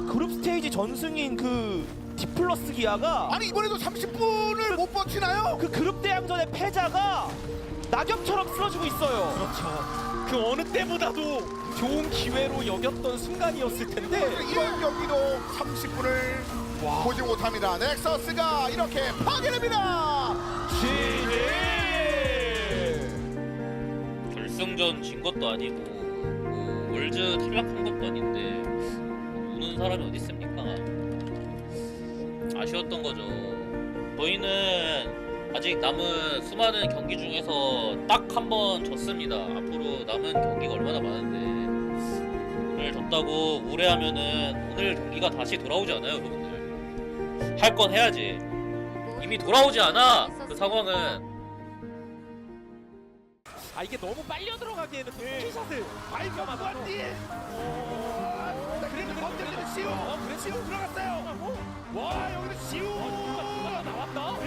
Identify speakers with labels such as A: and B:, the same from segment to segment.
A: 그 그룹 스테이지 전승인 그 디플러스 기아가
B: 아니 이번에도 30분을 못 버티나요?
A: 그 그룹 대항전의 패자가 낙엽처럼 쓰러지고 있어요.
C: 그렇죠. 그 어느 때보다도 좋은 기회로 여겼던 순간이었을 텐데
B: 이번 경기도 30분을 보지 못합니다. 넥서스가 이렇게 파괴됩니다.
D: 결승전 진 것도 아니고 뭐 월즈 탈락한 것도 아닌데 우는 사람이 어디 있습니까? 아쉬웠던 거죠. 저희는 아직 남은 수많은 경기 중에서 딱 한 번 졌습니다. 앞으로 남은 경기가 얼마나 많은데 오늘 졌다고 우려하면은 오늘 경기가 다시 돌아오지 않아요, 여러분들. 할 건 해야지. 이미 돌아오지 않아. 그 상황은.
C: 아 이게 너무 빨려 들어가기에는 또 스킬샷을
A: 발견하다. 그래도 건드리는 시우. 그래 시우 들어갔어요. 와 여기는 시우.
C: 나왔다.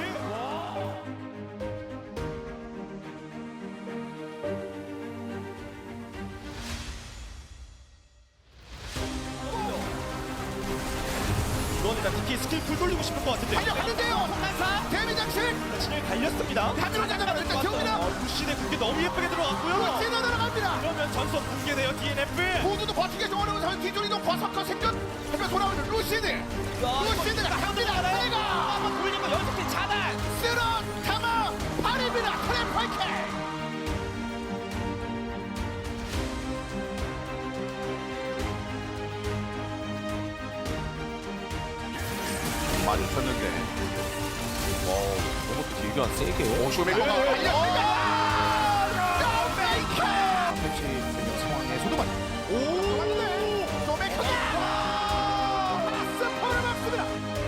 A: 이건 일단 특히 스킬 풀 돌리고 싶을 것 같은데.
B: 달려갔는데요.
A: 한사
B: 데미 장식
A: 진을 갈렸습니다.
B: 다 들어가자마자 일단 지웁니다.
A: 루시의 궁기 너무 예쁘게 들어갔고요.
B: 찌어 들어갑니다.
A: 그러면 전선 붕괴돼요 DNF.
B: 모두도 버티기 좀 어려운 상황 뒤쪽이도 버섯과 생존 하며 돌아오는 루시드. 루시드가 갑니다. 내가
A: 한번 돌리고 연속해 차단.
B: 쓸어 담아 발입니다. 트랩파이크.
E: 많이 쳤는데 너무 딜교한 세게
B: 오쇼메이커가 달렸습니다. 쇼메이커.
E: 펼치는 상황에서도 많이
B: 오. 맞네. 쇼메이커가 스포를 막습니다.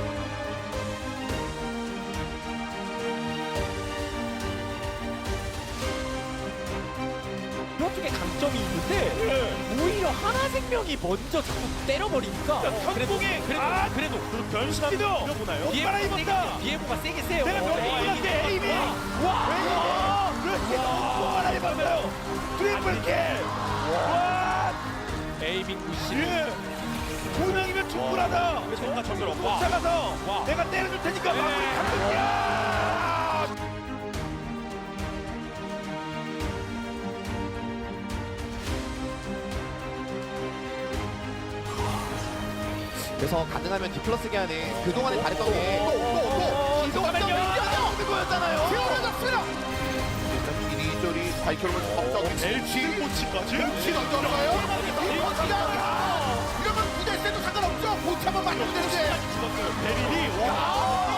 C: 뼈 쪽에 강점이 있는데 오히려 하나생명이 먼저 자꾸 때려버리니까
A: 현봉이
C: 그래도
A: 변신하는 거 보나요?
C: 비에모가 세게 세요.
A: 내가 명중인데 에이미. 와. 그렇게 너무 하나 입었어요. 트리플 킬. 와.
C: 에이밍 구시.
A: 예. 두 명이면 충분하다.
C: 정말 정글
A: 못 잡아서 내가 때려줄 테니까 마무리 감독이야.
E: 그래서 가능하면 디플러스 기한에 그동안에 잘했던 게
B: 이동하면
A: 없는 거였잖아요.
B: 태어났습니다.
E: 일단 이리저리 발표를 법적
A: LG 모치까지.
B: 치 던져가요. 이러면 부대세도 상관없죠. 못 참아 맞으면 되는데.
A: 베릴이 와.